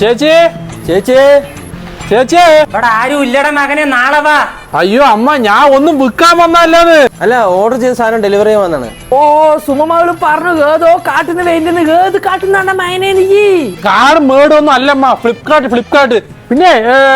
ചേച്ചി ചേച്ചി ചേച്ചി ഇവിടെ ആരും ഇല്ലട മകനെ, നാളെ വാ. അയ്യോ അമ്മ, ഞാൻ ഒന്നും വിൽക്കാൻ വന്നല്ലാന്ന്. അല്ല, ഓർഡർ ചെയ്ത സാധനം ഡെലിവറി ചെയ്യാൻ വന്നാണ്. ഓ സുമമകള് പറഞ്ഞു ഏതോ കാട്ടുന്ന വേണ്ടുന്ന ഏത് കാട്ടുന്നാണ്ട മയനെ നീ കാട് മേടൊന്നും അല്ലമ്മ, ഫ്ലിപ്കാർട്ട്. പിന്നെ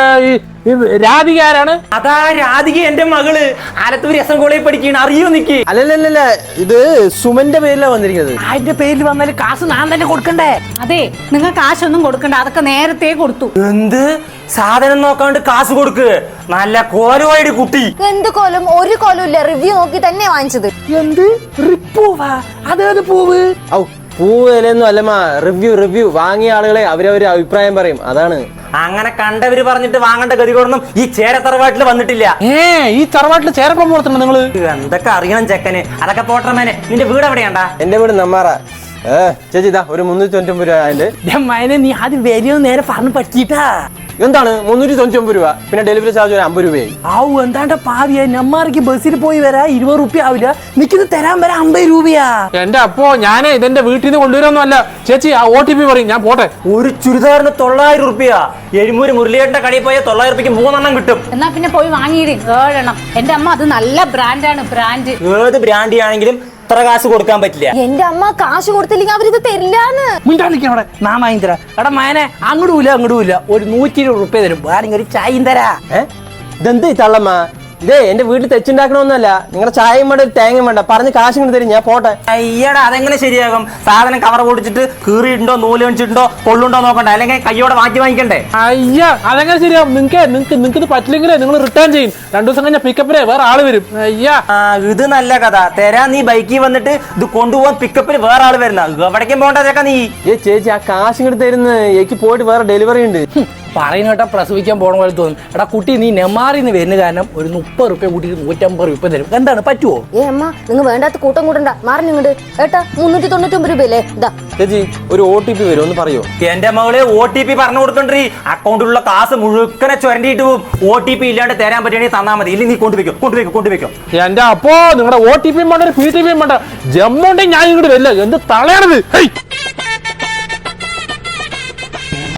രാധിക ആരാണ്? അതാ രാധിക, എന്റെ മകള് ആലത്തൂർ എസ് എൻ കോളേജിൽ പഠിക്കുകയാണ്, അറിയോ നിക്ക്? അല്ലല്ല, ഇത് സുമന്റെ പേരിലാണ് വന്നിരിക്കുന്നത്. അതിന്റെ പേരിൽ വന്നാല് കാശ് ഞാൻ തന്നെ കൊടുക്കണ്ടേ? അതെ, നിങ്ങൾ കാശൊന്നും കൊടുക്കണ്ട, അതൊക്കെ നേരത്തെ കൊടുത്തു. എന്ത് സാധനം നോക്കാണ്ട് കാശ് കൊടുക്ക്? നല്ല കോലുവായിട്ട് കുട്ടി. എന്ത് കോലും? ഒരു കോലും ഇല്ല, റിവ്യൂ നോക്കി തന്നെ വാങ്ങിച്ചത്. എന്ത് റിപ്പൂവാ? അതേത് പൂവ്? ഔ, പൂവ് ഇലയൊന്നും അല്ലമ്മ, റിവ്യൂ വാങ്ങിയ ആളുകളെ അവരവര് അഭിപ്രായം പറയും, അതാണ്. അങ്ങനെ കണ്ടവര് പറഞ്ഞിട്ട് വാങ്ങേണ്ട ഗതികൊടൊന്നും ഈ ചേരത്തറവാട്ടിൽ വന്നിട്ടില്ല. ഈ തറവാട്ടില് ചേരപ്പം വളർത്തണം നിങ്ങള്? എന്തൊക്കെ അറിയണം ചെക്കന്. അതൊക്കെ പോട്ടർമേനെ, നിന്റെ വീട് എവിടെയാണ്ടാ? എന്റെ വീട് നമ്മാറ. ചേച്ചി ഇതാ ഒരു 399 രൂപ. അതിന്റെ മയനെ നീ ആദ്യം വലിയ നേരെ പറഞ്ഞു പറ്റിട്ടാ. എന്താണ് 399 രൂപ? പിന്നെ ഡെലിവറി ചാർജ് 50 രൂപയായി. ആവു എന്താണ്ട പാവിയ, നമ്മാർക്ക് ബസ്സിൽ പോയി വരാ 20 റുപ്യ ആവില്ല, നിക്കുന്നത് തരാൻ വരാ 50 രൂപയാ. എന്റെ അപ്പോ ഞാനേ ഇതെന്റെ വീട്ടിൽ നിന്ന് കൊണ്ടുവരുമൊന്നും അല്ല. ചേച്ചി ആ OTP പറയും, ഞാൻ പോട്ടെ. ഒരു ചുരിദാറിന് 900 രൂപ. എഴുമൂര് മുരളിയേട്ടന്റെ കടയിൽ പോയാൽ 900 രൂപയ്ക്ക് 3 കിട്ടും. എന്നാ പിന്നെ പോയി വാങ്ങിയിട് 7 എണ്ണം. എന്റെ അമ്മ അത് നല്ല ബ്രാൻഡാണ്, ബ്രാൻഡ്. ഏത് ബ്രാൻഡ് ആണെങ്കിലും ഇത്ര കാശ് കൊടുക്കാൻ പറ്റില്ല. എന്റെ അമ്മ കാശ് കൊടുത്തില്ലെങ്കിൽ അവരിത് തരില്ലാന്ന്. മുണ്ടാണ്ടിരിക്കണ അവിടെ, നാ വാങ്ങി തരാം. എടാ മയനെ, അങ്ങോട്ടും ഇല്ല, ഒരു 120 റുപ്യ തരും, വേണമെങ്കിൽ ഒരു ചായയും തരാ. ഇതെന്ത് തള്ളമ്മ? ഇതേ എന്റെ വീട്ടിൽ തെച്ചുണ്ടാക്കണമെന്നല്ല, നിങ്ങളുടെ ചായയും വേണ്ട തേങ്ങയും വേണ്ട, പറഞ്ഞ് കാശ് കൊണ്ട് തരും, ഞാൻ പോട്ടെ. അയ്യടാ, അതെങ്ങനെ ശരിയാകും? സാധനം കവർ പൊടിച്ചിട്ട് കീറിയിട്ടുണ്ടോ നൂല് വെച്ചിട്ടുണ്ടോ കൊള്ളുണ്ടോ നോക്കണ്ട, അല്ലെങ്കിൽ കയ്യോടെ മാറ്റി വാങ്ങിക്കണ്ടേ? അയ്യ, അതെങ്ങനെ ശരിയാവും? നിങ്ങൾക്ക് ഇത് പറ്റില്ലെങ്കിലേ നിങ്ങൾ റിട്ടേൺ ചെയ്യും. 2 ദിവസം കഴിഞ്ഞാൽ പിക്കപ്പിനെ വേറെ ആള് വരും. അയ്യാ, ഇത് നല്ല കഥ. തരാ, നീ ബൈക്കിൽ വന്നിട്ട് ഇത് കൊണ്ടുപോകാൻ പിക്കപ്പിന് വേറെ ആള് വരുന്ന, എവിടേക്കും പോകണ്ടതൊക്കെ നീ. ചേച്ചി ആ കാശ് ഇങ്ങോട്ട് തരുന്ന, എനിക്ക് പോയിട്ട് വേറെ ഡെലിവറി ഉണ്ട്. പറയുന്ന കേട്ടാ പ്രസവിക്കാൻ പോണ പോലെ തോന്നും. എടാ കുട്ടി, നീ നെമാറിന്ന് വരുന്ന കാരണം ഒരു 30 റുപ്യ കൂട്ടിട്ട് 150 രൂപ തരും. എന്താണ്, പറ്റുമോ? അമ്മ, നിങ്ങൾ വേണ്ടാത്ത കൂട്ടം കൂട്ടണ്ട, മാറി ഇങ്ങോട്ട്. ഏട്ടാ 399 രൂപയല്ലേ? ഇതാ ചേച്ചി ഒരു OTP വരും, ഒന്ന് പറയോ? എന്റെ മകളെ OTP പറഞ്ഞു കൊടുക്കണ്ടേ? അക്കൗണ്ടിലുള്ള കാശ് മുഴുക്കനെ ചുരണ്ടിയിട്ട് പോവും. OTP ഇല്ലാണ്ട് തരാൻ പറ്റുകയാണെങ്കിൽ തന്നാ മതി, ഇല്ലെങ്കിൽ നീ കൊണ്ടുവയ്ക്കും. എന്റെ അപ്പോ നിങ്ങളുടെ OTP വേണ്ട, PTP വേണ്ട, ജമ്മുണ്ടെങ്കിൽ ഞാൻ ഇങ്ങോട്ട് വരില്ല. എന്ത് തളയണത്?